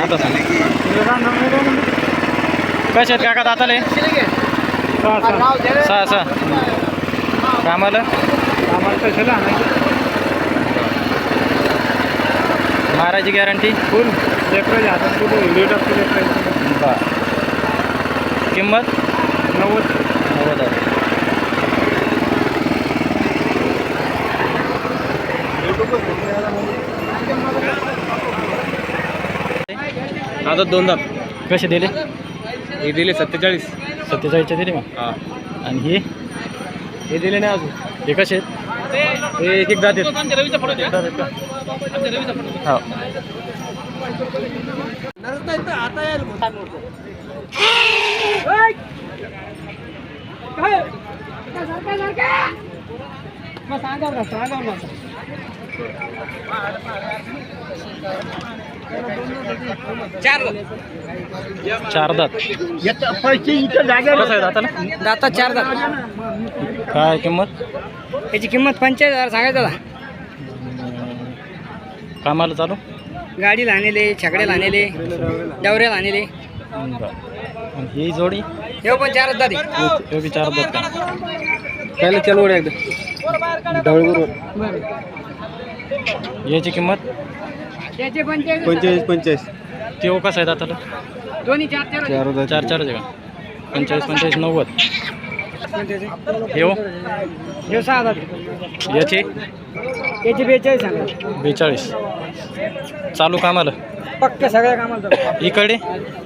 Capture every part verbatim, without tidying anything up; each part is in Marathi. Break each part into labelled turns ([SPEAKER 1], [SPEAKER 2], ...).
[SPEAKER 1] आता सांग कसे आहेत काका दाताले सहा सहा कामाला मारायची गॅरंटी
[SPEAKER 2] फुल लेकराच्या हातात कुठे लेट असतो लेकराची.
[SPEAKER 1] बरं किंमत
[SPEAKER 2] नव्वद
[SPEAKER 1] नव्वद आहे.
[SPEAKER 2] आता दोन दाब
[SPEAKER 1] कसे दिले
[SPEAKER 2] हे दिले सत्तेचाळीस.
[SPEAKER 1] सत्तेचाळीसचे दिले मग
[SPEAKER 2] हां
[SPEAKER 1] आणि हे
[SPEAKER 2] हे दिले नाही अजून.
[SPEAKER 1] हे कसे आहेत
[SPEAKER 2] हे एक एक दात आहेत.
[SPEAKER 1] हो चार दात कसं आहे दाताला
[SPEAKER 3] दाता चार दात.
[SPEAKER 1] काय किंमत
[SPEAKER 3] याची किंमत पंचेचाळीस हजार सांगायचं दादा.
[SPEAKER 1] कामाला चालू
[SPEAKER 3] गाडीला आणले, छकड्याला आणले, डवऱ्याला आणले.
[SPEAKER 1] बरं आणि ही जोडी
[SPEAKER 3] हे पण चारच दादी.
[SPEAKER 1] हे बी चार दात का
[SPEAKER 2] त्याला चलवड एकदा ढवळगुर
[SPEAKER 1] याची किंमत
[SPEAKER 3] त्याचे पंचेचाळीस
[SPEAKER 2] पंचेचाळीस पंचेचाळीस
[SPEAKER 1] तेव्हा कसं आहे दाताला
[SPEAKER 3] दोन्ही चार चार
[SPEAKER 2] चार दात.
[SPEAKER 1] चार चारच आहे का पंचेचाळीस पंचेचाळीस नव्वद येऊ
[SPEAKER 3] हे सहा दात.
[SPEAKER 1] याची
[SPEAKER 3] याची बेचाळीस सांगा.
[SPEAKER 1] बेचाळीस चालू कामाला
[SPEAKER 3] पक्क सगळ्या कामाला
[SPEAKER 1] इकडे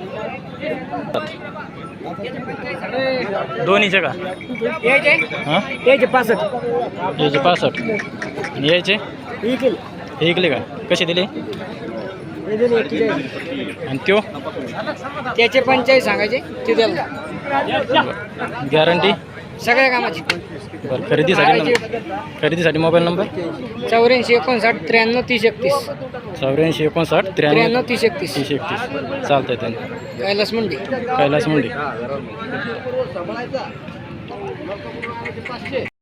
[SPEAKER 1] दोन्हीचे का
[SPEAKER 3] यायचे
[SPEAKER 1] हां
[SPEAKER 3] यायचे पासष्ट.
[SPEAKER 1] याचे पासष्ट आणि यायचे
[SPEAKER 3] ही केली
[SPEAKER 1] हे इकले का कसे दिले
[SPEAKER 3] हे दिले एक्केचाळीस.
[SPEAKER 1] आणि त्यो
[SPEAKER 3] त्याचे पंचेचाळीस सांगायचे ते द्याल
[SPEAKER 1] गॅरंटी
[SPEAKER 3] सगळ्या कामाची.
[SPEAKER 1] बरं खरेदीसाठी नंबर खरेदीसाठी मोबाईल नंबर
[SPEAKER 3] चौऱ्याऐंशी एकोणसाठ त्र्याण्णव तीस एकतीस
[SPEAKER 1] चौऱ्याऐंशी एकोणसाठ त्र्याण्णव
[SPEAKER 3] त्र्याण्णव तीस एकतीस.
[SPEAKER 1] तीस एकतीस चालतंय त्यांनी
[SPEAKER 3] कैलास मंडी.
[SPEAKER 1] कैलास मुंडी